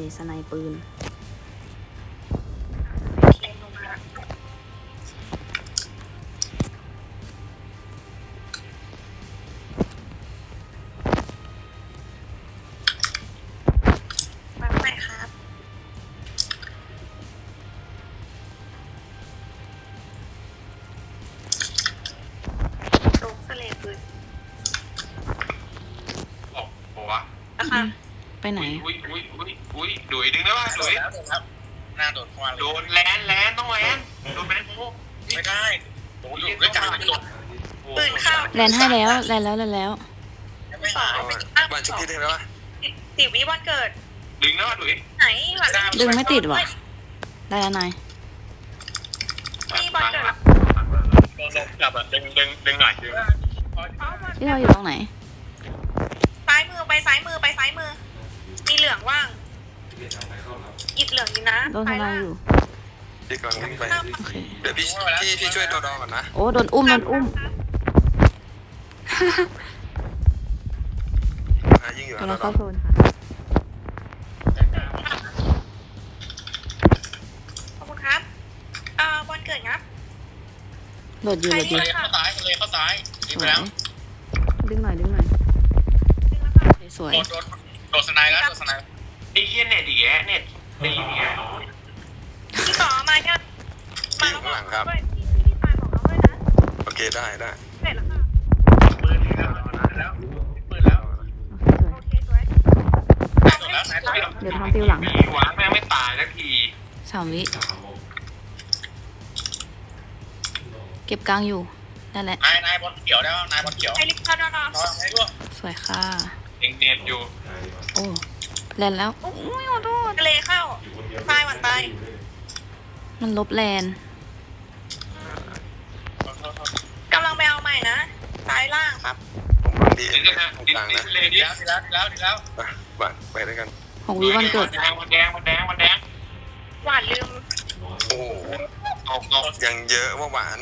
เลยสไนปืนมาใหม่ครับตกสเลปืนโอ้โหวะนะคะไปไหนอุ้ยดุยดึงได้ป่ะดุยครับหน้าโดดควานโดนแลนต้องแลนโดนแมนโมไม่ได้โดนอยู่ด้วยกันไม่โดนปืนเข้าแลนให้แล้วแลนแล้วแลนแล้วไม่สอเอางไม่ตั้งบ้านชุบพี่ได้ไหมวะสิบวิวันเกิดดึงได้ป่ะดุยไหนหวานดึงไม่ติดว่ะได้แล้วนายมีวันเกิดโดนจับอ่ะดึงหน่อยดึงที่เราอยู่ตรงไหนซ้ายมือไปซ้ายมือไปซ้ายมือ มีเหลืองว่างหยิบเหลืองอยู่นะโดนทำลายอยู่พี่กำลังวิ่งไปโอเคเดี๋ยวพี่ช่วยดอก่อนนะโอ้โดนอุ้มโดนอุ้มยิงอยู่กำดลัองเข้าโซนค่ะขอบคุณครับวันเกิดครับโหลดอยู่โหลดอยู่เข้าซ้ายเลยเข้าซ้ายสวยดึงหน่อยดึงหน่อยสวยโดดสไนแล้วโดดสไนไอ้เหี้ยเน็ตอีกแเน็ตตีอีกแพี่ต่อมาเนี่ยพี่อยู่ข้างหลังครับพี่ตายบอกเราด้วยนะโอเคได้เสร็จแล้วค่ะปืนแล้วปืนแล้วโอเคสวยโดดแล้วสายเดี๋ยวทำติวหลังมีวะแม่งไม่ตายสักที 3 วิเก็บกลางอยู่นั่นแหละนายบอลเขียวได้ป่ะนายบอลเขียวไอริคาดอนรอให้ด้วยสวยค่ะเองเน็ตอยู่โอ้แลนแล้วอุ้ยขอโทษทะเลเข้าตายหวันตายมันลบแลนกำลังไปเอาใหม่นะซ้ายล่างครับผมวางดีดิเอ็นนนะตรงดินกลางนะเลยดิแล้วไปด้วยกัน 6 วิวันเกิดมันแดงหวานลืมโอ้โหตกยังเยอะว่าหวาน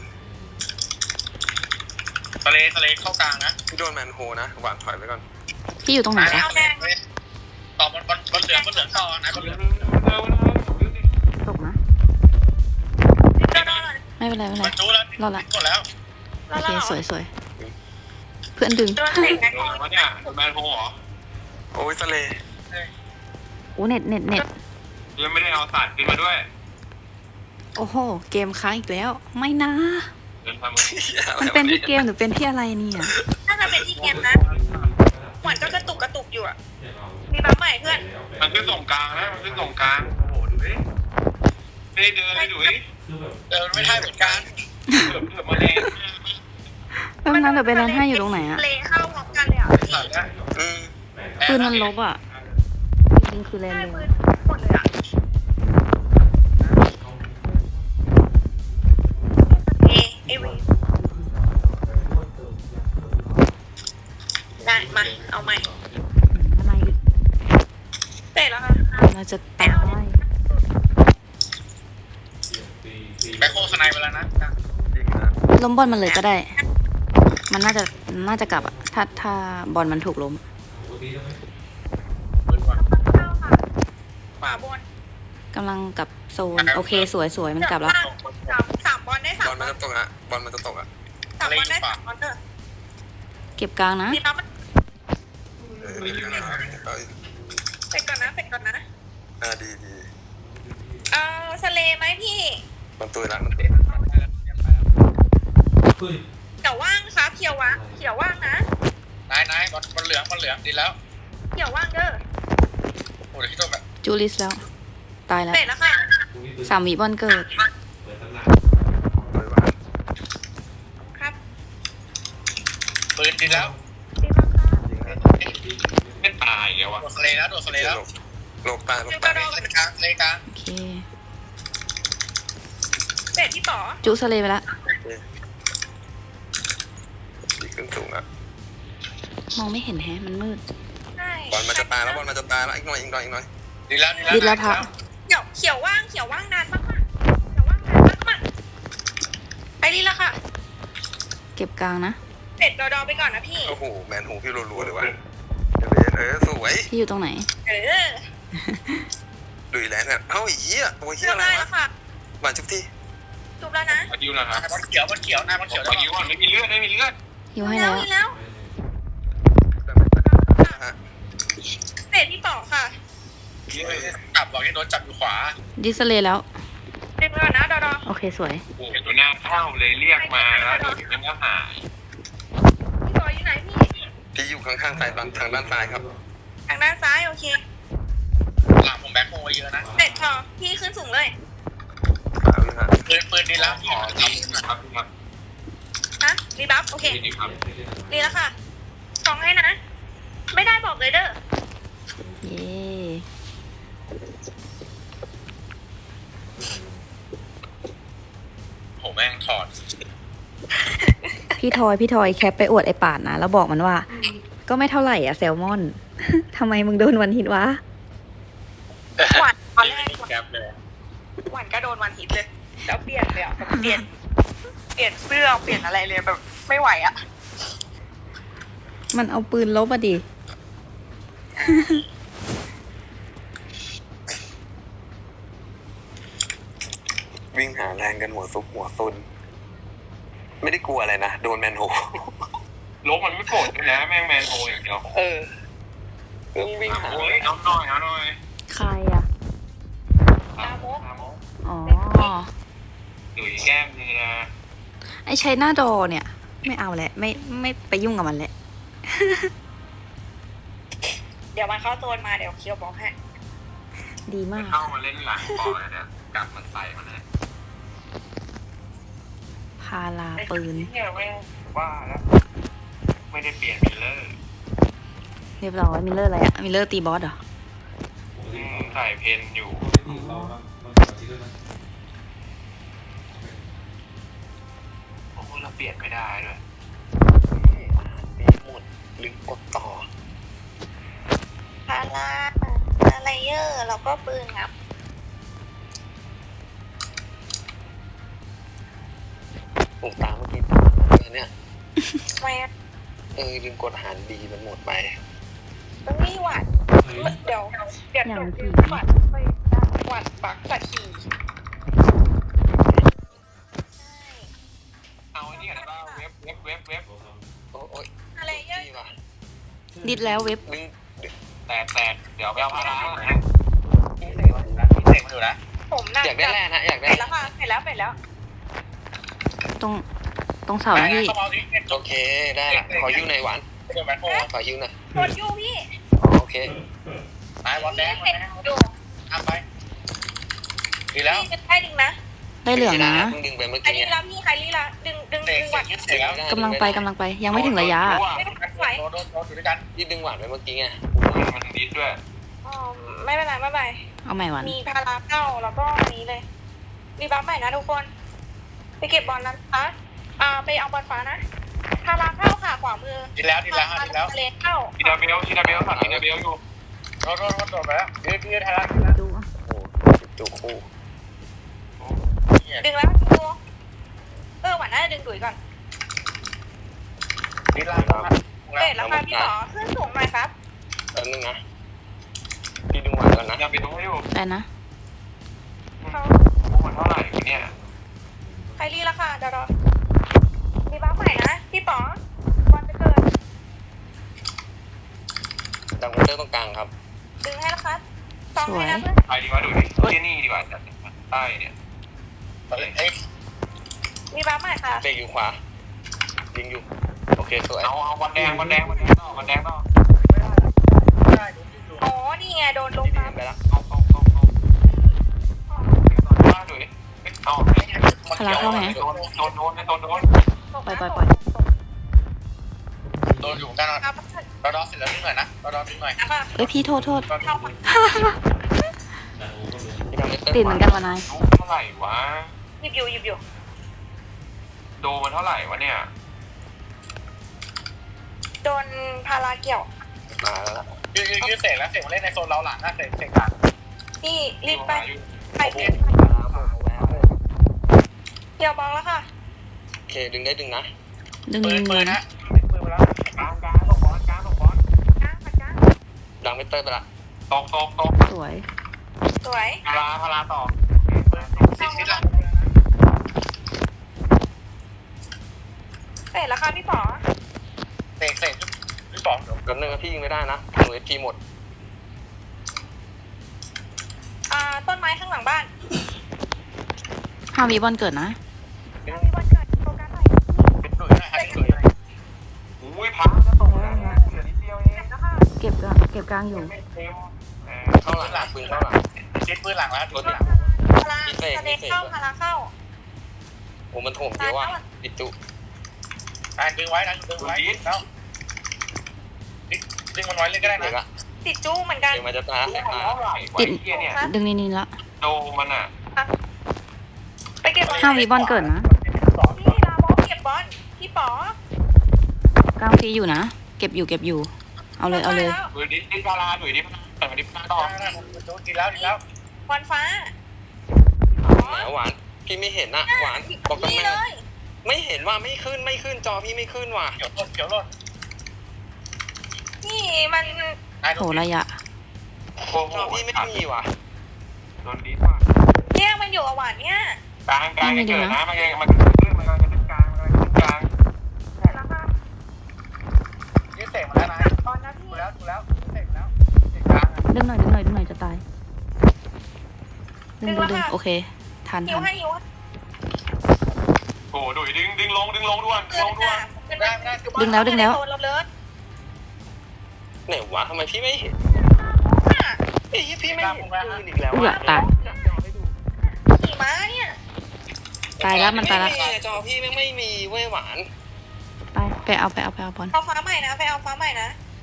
ทะเลเข้ากลางนะพี่โดนแมนโฮนะหวานถอยไปก่อนพี่อยู่ตรงไหนคะเอาแดงต่อบอลเหลืองต่อนะบอลเหลืองตกนะกระโดดไม่เป็นไรไม่เป็นไรมันจู้แล้วรอดละกดแล้วโอเคสวยสวยเพื่อนดึงโดนเตะไงโดนวะเนี่ยแมนโฮเหรอโอ้ยทะเลโอ้เน็ตยังไม่ได้เอาสัตว์ขึ้นมาด้วยโอ้โหเกมค้างอีกแล้วไม่นะเดินทำมือมันเป็นที่เกมหรือเป็นที่อะไรเนี่ยน่าจะเป็นที่เกมนะหวานก็กระตุกอยู่อ่ะมีบัฟใหม่เพื่อนมันขึ้นส่งกลางนะมันขึ้นส่งกลางโอ้โหดูดิไม่ได้เดินเลยดูดิไม่ได้เหมือนกันเกือบมาแรงแป๊บนึงเดี๋ยวไปแลนให้อยู่ตรงไหนอะเลเข้าพร้อมกันเลยอ่ะพี่อืมปืนมันลบอะจริงๆคือแลนได้เร็วปืนหมดเลยอ่ะเอวีได้มาเอาใหม่อะไรอีกเสร็จแล้วค่ะเราจะตายแบ็คโคสไนไปแล้วนะล้มบอลมันเลยก็ได้ มันน่าจะกลับอะถ้าบอลมันถูกล้มเข้าค่ะขวาบนกำลังกลับโซนโอเคสวยมันกลับแล้วสามบอลได้สาบมอลมันจะตกอ่ะบอลมันจะตกอ่ะสามบอลได้สามบอลเถอะเก็บกลางนะดีแล้วมันเสร็จก่อนนะเสร็จก่อนนะดีสเลไหมพี่มันตัวแล้วมันเตะเขียวว่างครับเขียวว่างนะนายบอลเหลืองดีแล้วเขียวว่างเด้อโอ้ยที่ตัวแบบจูลิสแล้ว ตายแล้วเสร็จแล้วค่ะ 3 วิบอลเกิดครับปืนดีแล้วดีมากค่ะไม่ตายเลยวะโดดสเลแล้วโลกตาเลยกลางเลยกลางโอเคเสร็จที่ต่อจูสเลไปแล้วดีขึ้นสูงอ่ะมองไม่เห็นแฮะมันมืดใช่บอลมันจะตายแล้วอีกหน่อยดีแล้วดิดแล้วพระเขียวว่างนานมากไปดีแล้วค่ะเก็บกลางนะเสร็จดอไปก่อนนะพี่โอ้โหแมนหูพี่รัวๆเลยว่ะสวยพี่อยู่ตรงไหนเออดุยแล้วเนี่ยเอ้าไอ้เหี้ยตัวเหี้เลืยอกอะไรได้วะแล้วค่ะหวานชุบที่จุบแล้วนะมาดิวนะครับมันเขียวหน้ามันเขียวมาดิวก่อนไม่มีเลือดไม่มีเลือดฮิวให้แล้วมีแล้วฮะเศษที่ต่อค่ะจับบอกให้โดนจับอยู่ขวาดิสเลย์แล้วดึงแล้วนะดอดอโอเคสวยโอ้โหตัวหน้าเข้าเลยเรียกมาแล้วเดี๋ยวมันก็หายพี่ต่ออยู่ไหนพี่พี่อยู่ข้างๆซ้ายทางด้านซ้ายครับทางด้านซ้ายโอเคหลังผมแบ็คโฮไว้เยอะนะเสร็จพอพี่ขึ้นสูงเลยเอาเลยฮะปืนดีแล้วขอดีครับครับฮะรีบัฟโอเคดีครับดีแล้วค่ะสองให้นะ ไม่ได้บอกเลยเด้อเย้โหแม่งถอดพี่ทอยแคปไปอวดไอป่านนะ แล้วบอกมันว่า ก็ไม่เท่าไหร่อ่ะแซลมอน ทำไมมึงโดนวันฮิตวะหวานตอนแรกแคปเลยหวานก็โดนวันฮิตเลย แล้วเปลี่ยนเลยอ่ะแบบเปลี่ยนเสื้อเปลี่ยนอะไรเลยแบบไม่ไหวอ่ะมันเอาปืนลบอะดิวิ่งหาแรงกันหัวซุกหัวซุนไม่ได้กลัวอะไรนะโดนแมนโฮลบมันไม่โกรธด้วยนะแม่งแมนโฮอย่างเดียวต้องวิ่งหาโอ้ยเอาหน่อยเอาหน่อยใครอ่ะตามกอ๋อดุยแก้มมือนะไอชัยนาดอเนี่ย ไม่เอาแหละ ไม่ไปยุ่งกับมันแหละเดี๋ยวมันเข้าโซนมาเดี๋ยวเคียวบอกให้ดีมากเข้ามาเล่นหลังบอลเลยเนี่ยกลับมันใส่มันนะพาลาปืนเนี่ยแม่งว่าแล้วไม่ได้เปลี่ยนมิลเลอร์เรียบร้อยมิลเลอร์อะไรอะมิลเลอร์ตีบอสเหรอใส่เพนอยู่โอ้โหเราเปลี่ยนไม่ได้ด้วยปีหมดลืมกดต่อพาราอะไรเยอร์แล้วก็ปืนครับผมตามเมื่อกี้ตามมาเลยเนี่ยทำไมอะลืมกดอาหารดีมันหมดไปต้องนี่หวานเดี๋ยวอย่างหนูที่หวานไปหวานปักตะขี่เอาไอ้นี่กันบ้างเว็บโอ้ยอะไรเยอะดีว่ะดิดแล้วเว็บดึงแตกเดี๋ยวไปเอาพารานะพี่เสกมาดูนะผมน่ะอยากได้แร่นะอยากเสได้ร็จแล้วค่ะเสร็จแล้วตรงเสานะพี่เข้ามาดิโอเคได้ละขอยิ้วหน่อยหวานเดี๋ยวแบ็คโฮขอยิ้วหน่อยกดอยู่พี่โอเคตายบอลแดงเห็นดูทำไปดีแล้วพี่จะได้ดึงนะได้เหลืองนะเพิ่งดึงไปเมื่อใครกี้ลีละพี่ใครลีละดึงเสกหวานเสกแล้วกำลังไป ยังไม่ถึงระยะไม่ได้ไหวโดนอยู่ด้วยกันที่ดึงหวานไปเมื่อกี้ไงมันดิดด้วยอ๋อไม่เป็นไรไม่เป็นไรเอาใหม่วันมีพาราเข้าแล้วก็อันนี้เลยรีบัฟใหม่นะทุกคน ไปเก็บบอลนั้นนะไปเอาบอลฟ้านะพาราเข้าค่ะขวามือดีแล้วเลนเข้าทีดาเบลสั่งทีดาเบลอยู่โดนไปแล้วยืดไทยรัฐดูโอ้จุกคู่ดึงแล้วดูหวานน่าจะดึงดุยก่อนดีแล้วเบ็ดแล้วค่ะพี่ต่อขึ้นสูงหน่อยครับแป๊บนึงนะพี่ดึงหวานก่อนนะทีดาเบลอยู่ได้นะเขามันเท่าไหร่เนี่ยใครรีแล้วค่ะเดี๋ยวรอรีบัฟใหม่นะพี่ป๋อบอลจะเกิดดังมอเตอร์ตรงกลางครับดึงให้แล้วครับสองให้นะเพื่อนไปดีกว่าดูดิที่นี่ดีกว่าจัดใต้เนี่ยรีบัฟใหม่ค่ะเบรกอยู่ขวายิงอยู่โอเคสวยเอาวันแดงต่ออ๋อนี่ไงโดนลงพี่มาดึงไปแล้วเอาดูดิเอาพลังเข้าไหมโดนปล่อยโดนอยู่ด้านนอกรอเสร็จแล้วนิดหน่อยนะรอนิดหน่อยนะคะเอ้ยพี่โทษเข้ามาพี่ดังมอเตอร์ติดเหมือนกันวะนายรู้เท่าไหร่วะหยิบอยู่โดมันเท่าไหร่วะเนี่ยโดนพาราเกี่ยวมาแล้วล่ะยืดเสกแล้วเสกมาเล่นในโซนเราหลังนะเสกหลังนี่รีบไปเก็บมาแล้วผมเอาแวะเกี่ยวบอลแล้วค่ะโอเคดึงได้ดึงนะดึงปืนนะนะปืนมาแล้วกลางตกบอลกลางดังมอเตอร์ไปละตกสวยสวยพาราต่อซิดละเสร็จแล้วค่ะพี่ป๋อเตะพี่ป๋องกันนึงพี่ยิงไม่ได้นะหนูเอพีหมดต้นไม้ข้างหลังบ้าน 5 วิบอลเกิดนะมีวันเกิดโฟกัสหน่อยเป็นหนุ่ยนะฮะเป็นหนุ่ยอุ้ยพักก็ตรงแล้วนะเหลือนิดเดียวเองแล้วค่ะเก็บกลางอยู่ไม่เต็มเข้าหลังปืนเข้าหลังซิดปืนหลังแล้วปืนหลังพาราสเตเข้าพาราเข้าโอ้มันโถมเยอะว่ะปิดตุดึงไว้นะดึงไว้แล้วดึงมันไว้เลยก็ได้เด็กนะอะติดจู้เหมือนกันเดี๋ยวมันจะตายแข็งมาติดเกียเนี่ยดึงนี่ละโดมันอ่ะไปเก็บบอล 5 วิบอลเกิดนะพี่ลาบอสเก็บบอลพี่ป๋อกลางพีอยู่นะ เก็บอยู่ เอาเลยหนุ่ยดิพาราหนุ่ยดิแต่มาดิพาราต่อดีแล้วดีแล้ววันฟ้าหวานพี่ไม่เห็นอะหวานบอกกันนี่แม่เลยไม่เห็นว่าไม่ขึ้นจอพี่ไม่ขึ้นว่ะเขียวรถนี่มันโหระยะโอ้โหจอพี่ไม่มีว่ะโดนดิว่ะเนี่ยมันอยู่กับหวานเนี่ยกลางจะเกิดนะมันกำลังจะขึ้นกลางเสร็จแล้วค่ะยืดเตะมาแล้วนะบอลนะพี่ดูแล้วเตะแล้วเตะกลางดึงหน่อยจะตาย ดึงโอเค ทันหิวให้หิวโอ้ดุยดึงลงด่วนเป็นได้ไม่ได้ดึงแล้วเราเลิศไหนวะทำไมพี่ไม่เห็นไอ้พี่ไม่เห็นปืนอีกแล้วอุ้ยตายขี่ม้าเนี่ยตายแล้วมันตายแล้วจอพี่ไม่มีเว้ยหวานไปเอาบอลเอาฟ้าใหม่นะไปเอาฟ้าใหม่นะ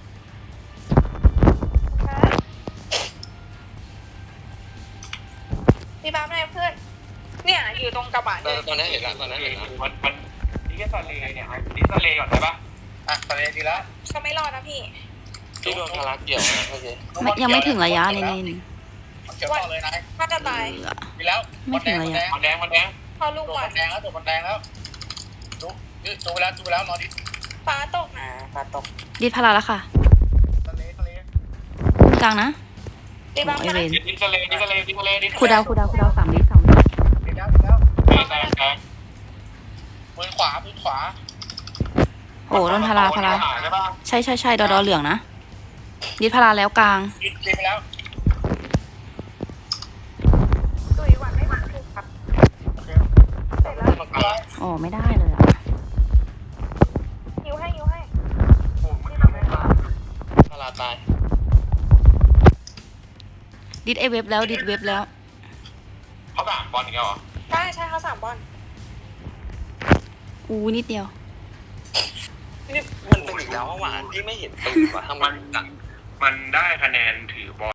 พี่บ้าอะไรเพื่อนเนี่ยอยู่ตรงกระบะเลยตอนนี้เห็นแล้วมันนี่แค่ทะเลเนี่ยดิทะเลก่อนได้ปะอ่ะทะเลดีแล้วก็ไม่รอดนะพี่พี่โดนทารักเกี่ยวนะโอเคยังไม่ถึงระยะนี่เขียวต่อเลยนะถ้าจะตายดีแล้วมันแดงพอลูกตัวหวามัน นแดงแล้วตัวมันแดงแล้วจูไปแล้วนอนดิฟ้าตกนะฟ้าตกดิดพาราแล้วค่ะทะเลกลางนะพี่บ้าไอมาเวนดิทะเลคูดาว3 วิดีแล้วแตกมือขวาโอ้โดนพาราใช่ปะใช่ดอเหลืองนะ ดิดพาราแล้วกลางกินไปแล้วตุยหวานไม่หวานถูกครับเสร็จแล้วโอ้ไม่ได้เลยอ่ะหิวให้ทาราตายดิดเว็บแล้วเขาด่าบอลอีกแล้วเหรอใช่เขา3 บอลอู้นิดเดียวมันเป็นอีกแล้วหวานพี่ไม่เห็นปืนว่ะทำไมมันได้คะแนนถือบอล